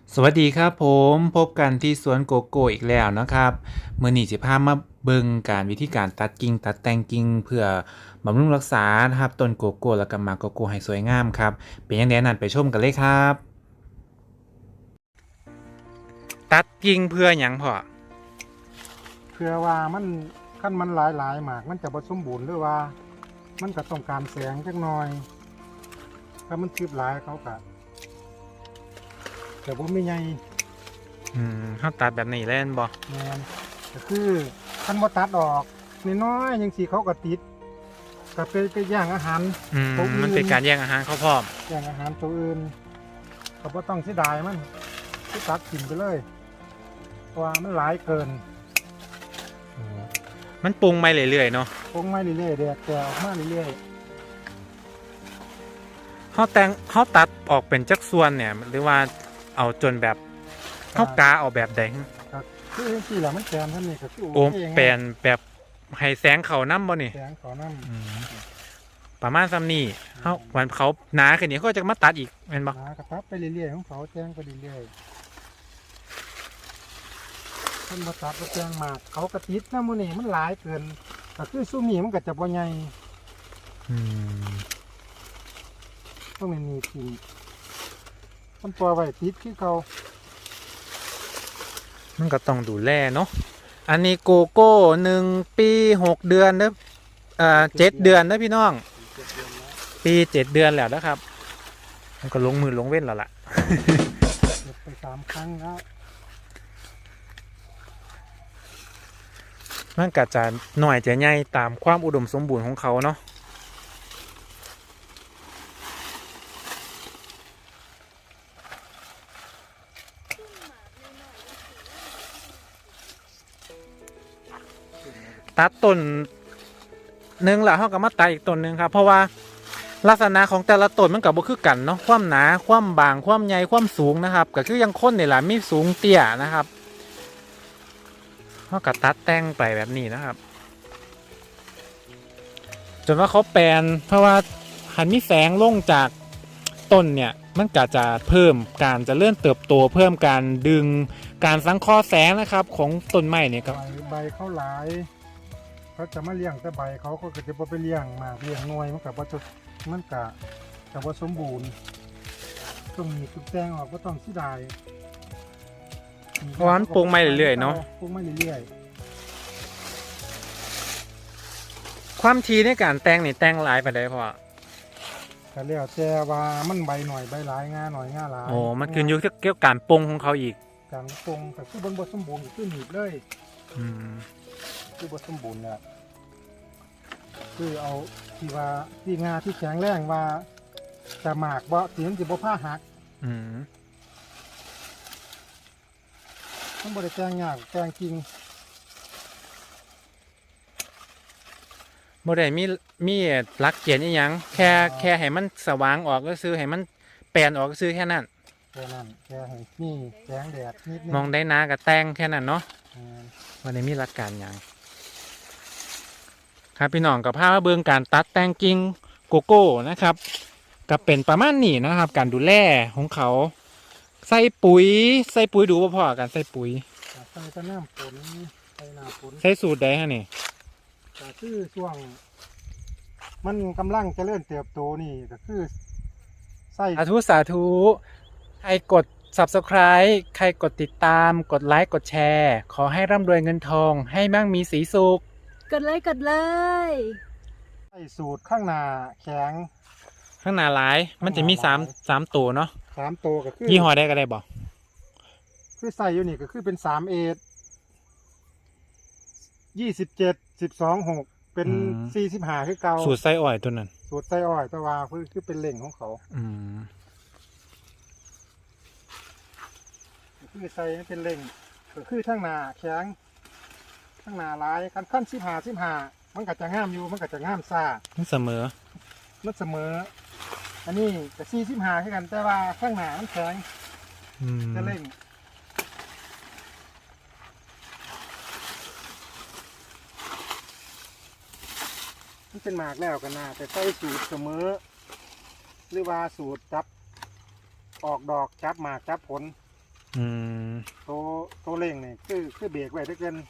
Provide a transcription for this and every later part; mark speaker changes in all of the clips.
Speaker 1: สวัสดีครับผมพบกันที่สวนโกโก้อีกแล้วนะครับเมื่อนี้จะพามาเบิ่งการวิธีการตัดกิ่งตัดแต่งกิ่งเพื่อบำรุงรักษานะครับต้นโกโก้แล้วก็หมากโกโก้ให้สวยงามครับเป็นยังไงนั้นไปชมกันเลยครับตัดกิ่งเพื่อหยังพ่อ
Speaker 2: เพื่อว่ามันขั้นมันหลายหมากมันจะผสมบูรณ์หรือว่ามันก็ต้องการแสงจักหน่อยถ้ามันคืบหลายเขาก็แต่ว่าไม่ใหญ่
Speaker 1: เฮาตัดแบบนี้เล่นบ่
Speaker 2: แมนก็คือขั้นบ่ตัดออกน้อยๆยังสีเขาก็ติดก็ไปย่างอาหารตัวอื่น
Speaker 1: มันเป็นการแย่งอาหารเขาพร้อม
Speaker 2: ย่างอาหารตัวอื่นก็บ่ต้องเสียดายมันที่ตัดกินไปเลยเพราะว่ามันหลายเกิน
Speaker 1: มันปรุงไปเรื่อยๆเนาะ
Speaker 2: คงไม่เรื่อยๆแดดแก่ออกมาเรื่อย
Speaker 1: เฮาตัดออกเป็นจักส่วนเนี่ยหรือว่าเอาจนแบบเฮากาเอาแบบใด
Speaker 2: ๆครับคือที่แหละมันแกนท่านนี่ก็คือ
Speaker 1: โอ้
Speaker 2: เคไง
Speaker 1: แปลนแบบให้แสงเขาน้ำบ่นี่
Speaker 2: แสงขอน้
Speaker 1: ประมาณซ้ำนี่เขาวันเขาหนาขึ้นนี่เขาจะมาตัดอีกแม่นบ่
Speaker 2: ำกระตับไปเรื่อยๆของเขาแจ้งไปเรื่อยๆท่านมาตัดก็แจ้งมากเขากระติดน้ำมันนี่มันหลายเกินก็คือสู้มีมันก็จะบ่ใหญ่
Speaker 1: อืม
Speaker 2: ต้องมีทีมันตัวไว้ติดคือเขา
Speaker 1: มันก็ต้องดูแลเนาะอันนี้โกโก้1 ปี 6 เดือนเด้อ7 เดือนนะพี่น้องปี7 เดือนแล้วนะครับมันก็ลงมือลงเว้นแล้วล่ะ
Speaker 2: เก็บไป3 ครั้งแล้ว
Speaker 1: มันก็จะหน่อยจะใหญ่ตามความอุดมสมบูรณ์ของเขาเนาะตัดต้นหนึ่งแล้วเขาก็มาตัดอีกต้นหนึ่งครับเพราะว่าลักษณะของแต่ละต้นมันกับบ่คือกันเนาะความหนาความบางความใหญ่ความสูงนะครับก็คือยังค้นนี่แหละมีสูงเตี้ยนะครับเขาก็ตัดแต่งไปแบบนี้นะครับจนว่าเขาแปลนเพราะว่าหันมีแสงลงจากต้นเนี่ยมันก็จะเพิ่มการเจริญเติบโตเพิ่มการดึงการสังเคราะห์แสงนะครับของต้นไม้เนี่ยครับ
Speaker 2: ใบเขาหลายเขาจะมาเลี้ยงแต่ใบเขาก็จะบ่ไปเลี้ยงมากเลี้ยงหน่วยมันกับว่ามันกะจะว่าสมบูรณ์ต้องมีทุกแตงออกก็ต้องเสียดาย
Speaker 1: เพราะว่ามันปรุงไม่เรื่อยๆเนาะ
Speaker 2: ปรุงไม่เรื่อย
Speaker 1: ความทีในการแต่งนี่แต่งหลายไปได้พอ
Speaker 2: ๆแต่แล้วแต่ว่ามันใบหน่อยใบหลายงาหน่อยงาหลาย
Speaker 1: โอ้มันขึ้นอยู่เกี่ยวกับการปรุงของเขาอีก
Speaker 2: การปรุงแต่คือบนบทสมบูรณ์คือหนีบเลย
Speaker 1: อืม
Speaker 2: คือบทสมบูรณ์เนี่ยคือเอาที่ว่าที่งาที่แข็งแรงว่าจะหมากบ่สีมันจะบ่ผ้าหัก
Speaker 1: อืม
Speaker 2: มันบริแกงยากแกงจริง
Speaker 1: บ่ได้มีหลักเกณฑ์อีหยังแค่ให้มันสว่างออกก็ซื้อให้มันแปลนออกก็ซื้อแค่นั้น
Speaker 2: แค่นั้นแค่ให้นี่แสงแดดนิดนึง
Speaker 1: มองได้นากับแต่งแค่นั้นเนาะ
Speaker 2: อ่า
Speaker 1: บ่ได้มีหลักการหยังครับพี่น้องกับภาพเบิ่งการตัดแต่งกิ่งโกโก้นะครับก็เป็นประมาณนี้นะครับ การดูแลของเขาใส่ปุ๋ยดูบ่พอกันใส่ปุ๋ย
Speaker 2: ใส่ก็น้ำฝนใส่น้ำฝน
Speaker 1: ใส่สูตรใดฮะนี่
Speaker 2: ก็คือช่วงมันกำลังเจริญเติบโตนี่ก็คือใส่
Speaker 1: สาธุใครกด Subscribe ใครกดติดตามกดไลค์กดแชร์ขอให้ร่ำรวยเงินทองให้มั่งมีสีสุข
Speaker 3: กดเลยกดเลย
Speaker 2: ใส่สูตรข้างหน้าแข็ง
Speaker 1: ข้างหน้าหลายมันจะมีสามตัวเนาะ
Speaker 2: 3 ตัวก็คือ
Speaker 1: ยี่ห้อได้ก็ได้บอก
Speaker 2: คือใส่อยู่นี่ก็คือเป็น3 เอ27 12 6เป็น45คือเก่า
Speaker 1: สูตรไส้อ่อยตัวนั้น
Speaker 2: สูตรใส่อ้อยแต่ว่าคือเป็นเล่งของเขาคือใส่เป็นเล่งก็คือทั้งหน้าแข็งทั้งหน้าลายขั้น15มันก็จะงามอยู่มันก็จะงามซ่า
Speaker 1: มันเสมอ
Speaker 2: มันเสมออันนี้ก็45คือกันแต่ว่าข้างหน้ามันแข็งจะเล่งมันเป็นหมากแล้วกันนะแต่ใส่สูตรเสมอหรือว่าสูตรจับออกดอกจับหมากจับผล
Speaker 1: อืม
Speaker 2: ตัวเร่งนี่คือเบรกไว้ถ้าเกิน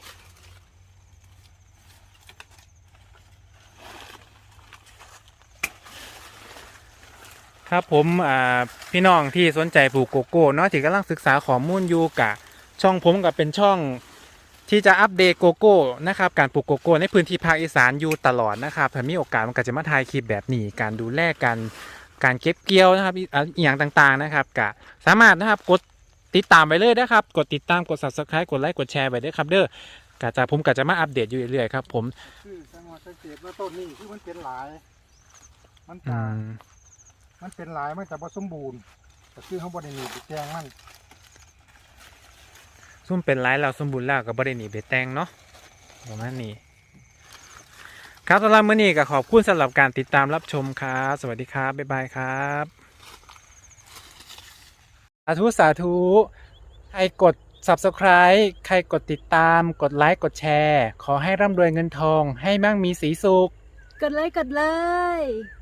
Speaker 1: ครับผมพี่น้องที่สนใจปลูกโกโก้เนาะที่กำลังศึกษาข้อมูลอยู่กะช่องผมกับเป็นช่องที่จะอัปเดตโกโก้นะครับการปลูกโกโก้ในพื้นที่ภาคอีสานอยู่ตลอดนะครับถ้ามีโอกาสมันก็จะมาถ่ายคลิปแบบนี้การดูแลการเก็บเกี่ยวนะครับอีกอย่างต่างๆนะครับกะสามารถนะครับกดติดตามไปเลยนะครับกดติดตามกด subscribe กดไลค์กดแชร์ไปด้วยครับเด้อกะจะผมก็จะมาอัปเดตอยู่เรื่อยๆครับผม
Speaker 2: คือจังหวะสังเกตว่าต้นนี้คือมันเป็นหลายมัน
Speaker 1: อื
Speaker 2: จะ
Speaker 1: ม
Speaker 2: มันเป็นหลายมันจะบ่สมบูรณ์ก็คือเขาบ่ได้หนีบแจงมัน
Speaker 1: ซุ่มเป็นไรเราสมบูรณ์แล้วก็บ่ได้หนีไปแต่งเนาะประมาณนี้ครับสำหรับมื้อนี้ก็ขอบคุณสำหรับการติดตามรับชมครับสวัสดีครับบ๊ายบายครับสาธุสาธุใครกด subscribe ใครกดติดตามกดไลค์กดแชร์ขอให้ร่ำรวยเงินทองให้มั่งมีสีสุข
Speaker 3: กดเลย